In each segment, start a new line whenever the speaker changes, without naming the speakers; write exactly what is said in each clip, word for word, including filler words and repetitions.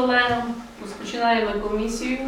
колегам. Розпочинаємо комісію.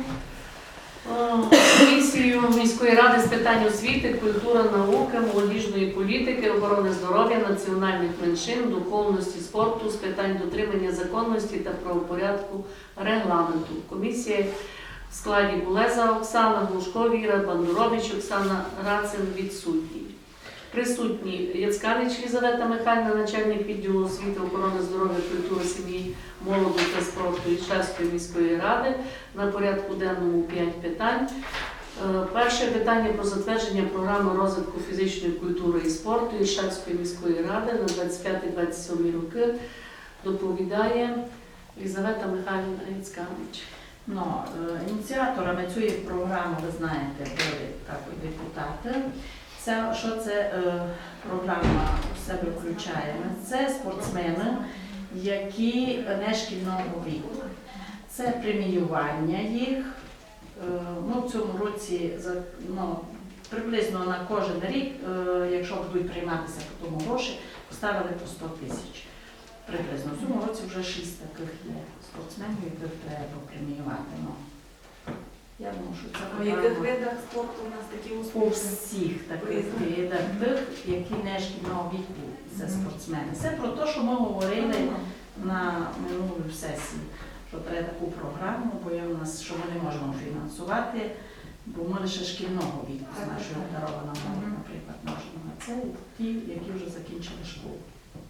Комісію міської ради з питань освіти, культури, науки, молодіжної політики, охорони здоров'я, національних меншин, духовності, спорту, з питань дотримання законності та правопорядку регламенту. Комісія в складі Булеза Оксана, Глушко Віра, Бандурович Оксана, Рацин відсутній. Присутні Яцканич Лізавета Михайлівна, начальник відділу освіти, охорони здоров'я, культури, сім'ї, молоді та спорту Ільшевської міської ради. На порядку денному п'ять питань. Перше питання про затвердження програми розвитку фізичної культури і спорту Ільшевської міської ради на двадцять п'ятий - двадцять сьомий роки. Доповідає Лізавета Михайлівна Яцканич.
Ну, ініціаторами цієї програми, ви знаєте, були також депутати. Це, що це е, програма в себе включає? Це спортсмени, які не шкільного віку. Це преміювання їх. Е, ну, в цьому році ну, приблизно на кожен рік, е, якщо будуть прийматися по тому гроші, поставили по сто тисяч. Приблизно. В цьому році вже шість таких є спортсменів, яких треба преміювати. Ну, я думаю, що це
А в яких видах спорту у нас такі
по
успішні?
всіх таких видах, тих, які не шкільного віку, це спортсмени. Це про те, що ми говорили на минулій сесії, що треба таку програму, бо є у нас, що ми не можемо фінансувати, бо ми лише шкільного віку з нашою обдарованою молодь, наприклад, можемо. А це ті, які вже закінчили школу.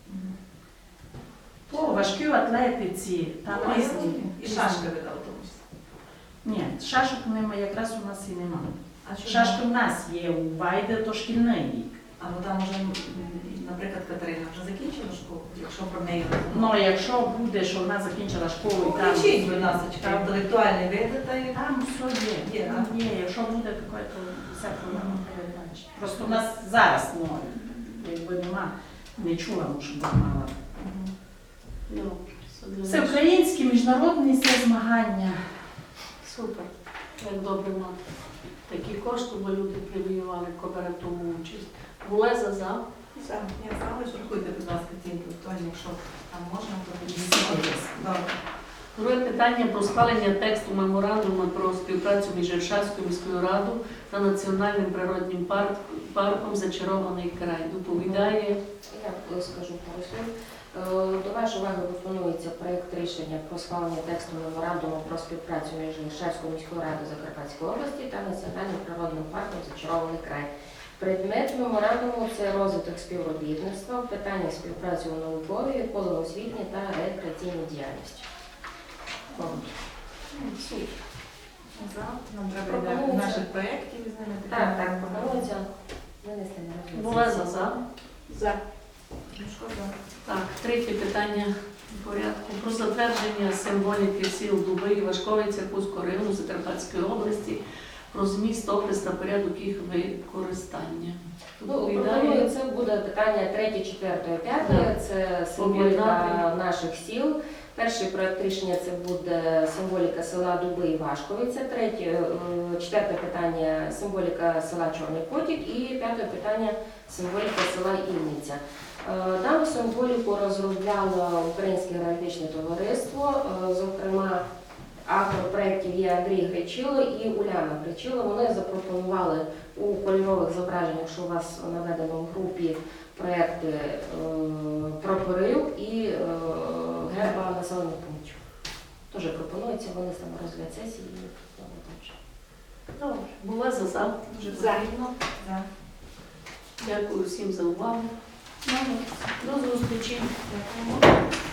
По важкій атлетиці, там різні.
І шашки видав тому числі.
Ні, шашок немає, якраз у нас і немає.
А що
Шашки в нас є, у Вайде то шкільний вік.
А ну там вже, наприклад, Катерина вже закінчила школу, якщо про неї
Ну, якщо буде, що вона закінчила школу і там...
Включіть, будь ласка, інтелектуальні види та й...
Там все є.
Є,
Там
так?
є. Якщо буде таке, то вся програма передбачить. Просто у нас зараз, ну, якби нема, не чула, може, б мала. Це українські, міжнародні це змагання.
Супер. Як добре мати такі кошти, бо люди преміювали, хто бере в тому участь. Булеза за.
За. Я знала, що рахуйте, будь ласка, ці інтелектуальні, якщо там можна, то
Добре.
добре.
Друге питання про схвалення тексту меморандуму про співпрацю між Ільшевською міською радою та Національним природним парк, парком «Зачарований край». Доповідає.
Я скажу пару слів. До вашої уваги пропонується проєкт рішення про схвалення тексту меморандуму про співпрацю між Ільшевською міською радою Закарпатської області та Національним природним парком «Зачарований край». Предмет меморандуму – це розвиток співробітництва, питання співпраці у науковій, околоосвітній та рекреаційній діяльності.
За. Нам треба йде наших проєктів із ними.
Так, так, пропонується винести на розгляд.
Булеза за.
За. Ну, що за?
Так, третє питання порядку про затвердження символіки сіл Дуби і Вашковиця Кузького району Закарпатської області, про зміст, опис та порядок їх використання.
Ну, пропоную, це буде питання третє, четверте, п'яте. Це символіка
Об'єднати.
наших сіл. Перший проект рішення це буде символіка села Дуби і Вашковиця. Третє, е, четверте питання символіка села Чорний Потік і п'яте питання символіка села Ільниця. Е, Дану символіку розробляло Українське географічне товариство, е, зокрема автор проєктів є Андрій Гречило і Уляна Гречило. Вони запропонували у кольорових зображеннях, що у вас наведено в групі, проєкти е, прапорів і е, герба населених пунктів. Теж пропонується, вони саме розгляд сесії і теж.
Добре. Булеза за.
Дуже
За.
потрібно. За.
Дякую всім за увагу. До зустрічі.
Дякуємо.